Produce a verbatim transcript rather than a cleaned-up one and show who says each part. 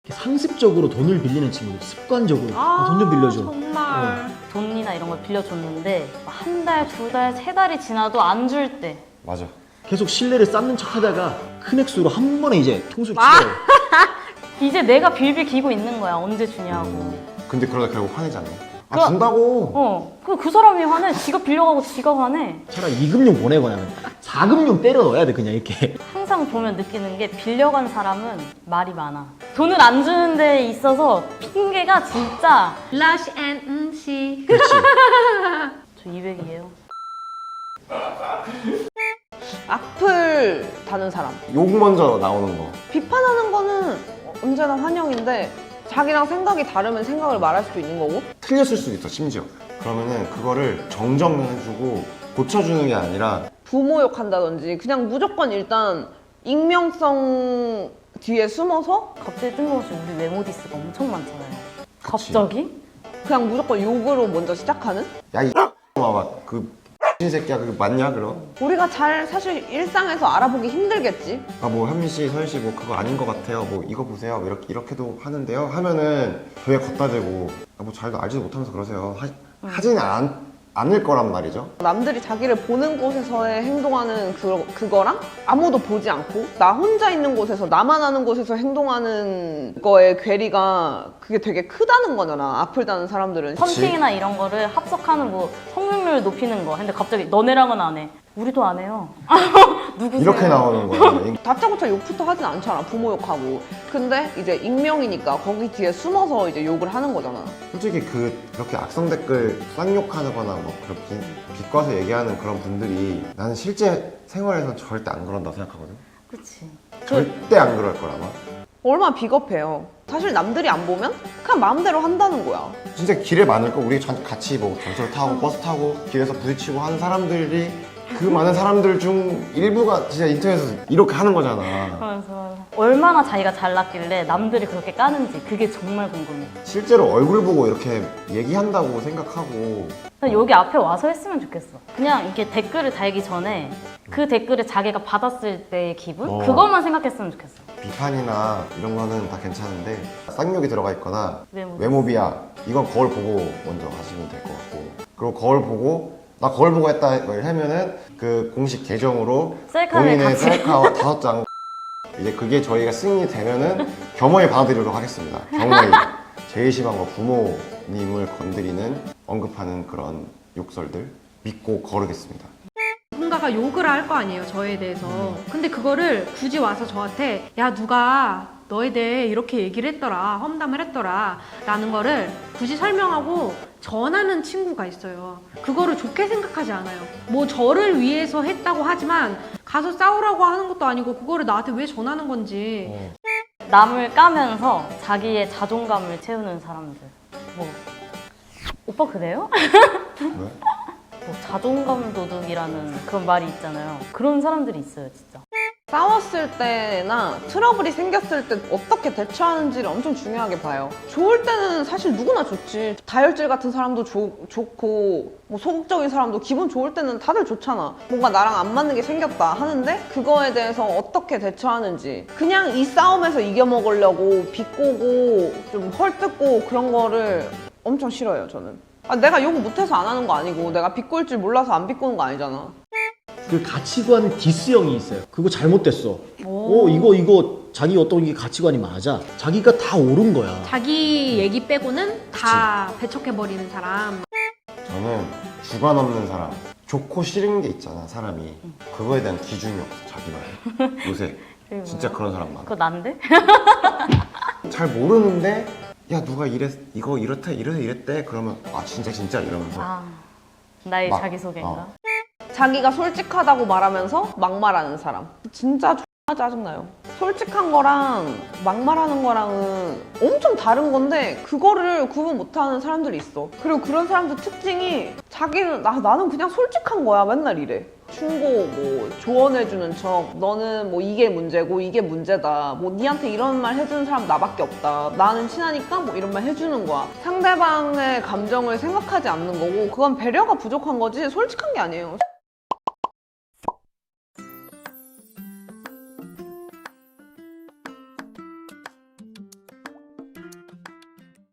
Speaker 1: 상습적으로 돈을 빌리는 친구들, 습관적으로 아, 돈 좀 빌려줘.
Speaker 2: 정말
Speaker 1: 어.
Speaker 2: 돈이나 이런 걸 빌려줬는데 한 달, 두 달, 세 달이 지나도 안 줄 때
Speaker 3: 맞아.
Speaker 1: 계속 신뢰를 쌓는 척 하다가 큰 액수로 한 번에 이제 통수를
Speaker 2: 아!
Speaker 1: 치러요.
Speaker 2: 이제 내가 빌빌 기고 있는 거야. 언제 주냐고.
Speaker 3: 음, 근데 그러다 결국 화내지 않나? 아
Speaker 2: 그-
Speaker 3: 준다고!
Speaker 2: 어, 그, 그 사람이 화내. 지가 빌려가고 지가 화내.
Speaker 1: 차라리 이금융 보내거나 사금융 때려 넣어야 돼 그냥 이렇게.
Speaker 2: 항상 보면 느끼는 게 빌려간 사람은 말이 많아. 돈을 안 주는 데 있어서 핑계가 진짜
Speaker 4: 러쉬 앤 음식.
Speaker 1: 그렇지.
Speaker 2: 저 이백이에요.
Speaker 5: 악플 다는 사람.
Speaker 3: 욕 먼저 나오는 거.
Speaker 5: 비판하는 거는 언제나 환영인데 자기랑 생각이 다르면 생각을 말할 수도 있는 거고.
Speaker 3: 틀렸을 수도 있어 심지어. 그러면은 그거를 정정해주고 고쳐주는 게 아니라
Speaker 5: 부모욕한다든지 그냥 무조건 일단 익명성 뒤에 숨어서
Speaker 2: 갑자기 뜬금없이 우리 외모 디스가 엄청 많잖아요.
Speaker 3: 그치.
Speaker 2: 갑자기?
Speaker 5: 그냥 무조건 욕으로 먼저 시작하는?
Speaker 3: 야이 막그 X 새끼야 그게 맞냐 그럼?
Speaker 5: 우리가 잘 사실 일상에서 알아보기 힘들겠지.
Speaker 3: 아 뭐 현미 씨, 서현 씨 뭐 그거 아닌 것 같아요. 뭐 이거 보세요. 이렇게 이렇게도 하는데요. 하면은 저희가 걷다 대고 아, 뭐 잘도 알지도 못하면서 그러세요. 하, 하지는 않, 않을 거란 말이죠.
Speaker 5: 남들이 자기를 보는 곳에서의 행동하는 그, 그거랑 아무도 보지 않고 나 혼자 있는 곳에서 나만 아는 곳에서 행동하는 거의 괴리가 그게 되게 크다는 거잖아. 악플 다는 사람들은.
Speaker 2: 펀팅이나 이런 거를 합석하는 뭐 성능률 높이는 거. 근데 갑자기 너네랑은 안 해. 우리도 안 해요. 누구세요?
Speaker 3: 이렇게 나오는 거야.
Speaker 5: 다짜고짜 욕부터 하진 않잖아. 부모 욕하고. 근데 이제 익명이니까 거기 뒤에 숨어서 이제 욕을 하는 거잖아.
Speaker 3: 솔직히 그 그렇게 악성 댓글 쌍욕하거나 뭐 그렇게 비꼬아서 얘기하는 그런 분들이 나는 실제 생활에서는 절대 안 그런다고 생각하거든.
Speaker 2: 그치.
Speaker 3: 절대 안 그럴 거라마.
Speaker 5: 얼마나 비겁해요. 사실 남들이 안 보면 그냥 마음대로 한다는 거야.
Speaker 3: 진짜 길에 많을 거 우리 전- 같이 뭐 전철 타고 버스 타고 길에서 부딪히고 하는 사람들이 그 많은 사람들 중 일부가 진짜 인터넷에서 이렇게 하는 거잖아.
Speaker 2: 맞아, 맞아. 얼마나 자기가 잘났길래 남들이 그렇게 까는지 그게 정말 궁금해.
Speaker 3: 실제로 얼굴 보고 이렇게 얘기한다고 생각하고
Speaker 2: 그냥 여기 앞에 와서 했으면 좋겠어. 그냥 이렇게 댓글을 달기 전에 그 댓글을 자기가 받았을 때의 기분?
Speaker 3: 어.
Speaker 2: 그것만 생각했으면 좋겠어.
Speaker 3: 비판이나 이런 거는 다 괜찮은데 쌍욕이 들어가 있거나
Speaker 2: 외모.
Speaker 3: 외모 비하 이건 거울 보고 먼저 하시면 될 것 같고, 그리고 거울 보고 나 거울 보고 했다 하면은 그 공식 계정으로
Speaker 2: 셀카를
Speaker 3: 본인의
Speaker 2: 같이.
Speaker 3: 셀카 다섯 장 이제 그게 저희가 승인이 되면은 겸허히 받아들이도록 하겠습니다. 겸허히. 제일 심한 거 부모님을 건드리는 언급하는 그런 욕설들 믿고 거르겠습니다.
Speaker 4: 누군가가 욕을 할 거 아니에요, 저에 대해서. 근데 그거를 굳이 와서 저한테 야 누가 너에 대해 이렇게 얘기를 했더라, 험담을 했더라 라는 거를 굳이 설명하고 전하는 친구가 있어요. 그거를 좋게 생각하지 않아요. 뭐 저를 위해서 했다고 하지만 가서 싸우라고 하는 것도 아니고 그거를 나한테 왜 전하는 건지.
Speaker 3: 어.
Speaker 2: 남을 까면서 자기의 자존감을 채우는 사람들. 뭐 오빠 그래요?
Speaker 3: 왜?
Speaker 2: 뭐 자존감 도둑이라는 그런 말이 있잖아요. 그런 사람들이 있어요, 진짜.
Speaker 5: 싸웠을 때나 트러블이 생겼을 때 어떻게 대처하는지를 엄청 중요하게 봐요. 좋을 때는 사실 누구나 좋지. 다혈질 같은 사람도 조, 좋고 뭐 소극적인 사람도 기분 좋을 때는 다들 좋잖아. 뭔가 나랑 안 맞는 게 생겼다 하는데 그거에 대해서 어떻게 대처하는지. 그냥 이 싸움에서 이겨먹으려고 비꼬고 좀 헐뜯고 그런 거를 엄청 싫어해요, 저는. 아, 내가 욕 못해서 안 하는 거 아니고 내가 비꼴 줄 몰라서 안 비꼬는 거 아니잖아.
Speaker 1: 그 가치관 디스형이 있어요. 그거 잘못됐어.
Speaker 2: 오.
Speaker 1: 어 이거 이거 자기 어떤 게 가치관이 맞아. 자기가 다 옳은 거야.
Speaker 4: 자기 얘기 빼고는 다 배척해버리는 사람.
Speaker 3: 저는 주관 없는 사람, 좋고 싫은 게 있잖아 사람이. 그거에 대한 기준이 없어 자기만. 요새
Speaker 2: 그리고
Speaker 3: 진짜 그런 사람 많아.
Speaker 2: 그거 난데?
Speaker 3: 잘 모르는데 야 누가 이랬 이거 이렇대 이래서 이랬대 그러면 아 진짜 진짜 이러면서
Speaker 2: 아, 나의
Speaker 3: 막,
Speaker 2: 자기소개인가?
Speaker 3: 어.
Speaker 5: 자기가 솔직하다고 말하면서 막말하는 사람. 진짜 X나 짜증나요. 솔직한 거랑 막말하는 거랑은 엄청 다른 건데 그거를 구분 못하는 사람들이 있어. 그리고 그런 사람들 특징이 자기는 나, 나는 그냥 솔직한 거야 맨날 이래. 충고 뭐 조언해주는 척 너는 뭐 이게 문제고 이게 문제다 뭐 니한테 이런 말 해주는 사람 나밖에 없다 나는 친하니까 뭐 이런 말 해주는 거야. 상대방의 감정을 생각하지 않는 거고 그건 배려가 부족한 거지 솔직한 게 아니에요.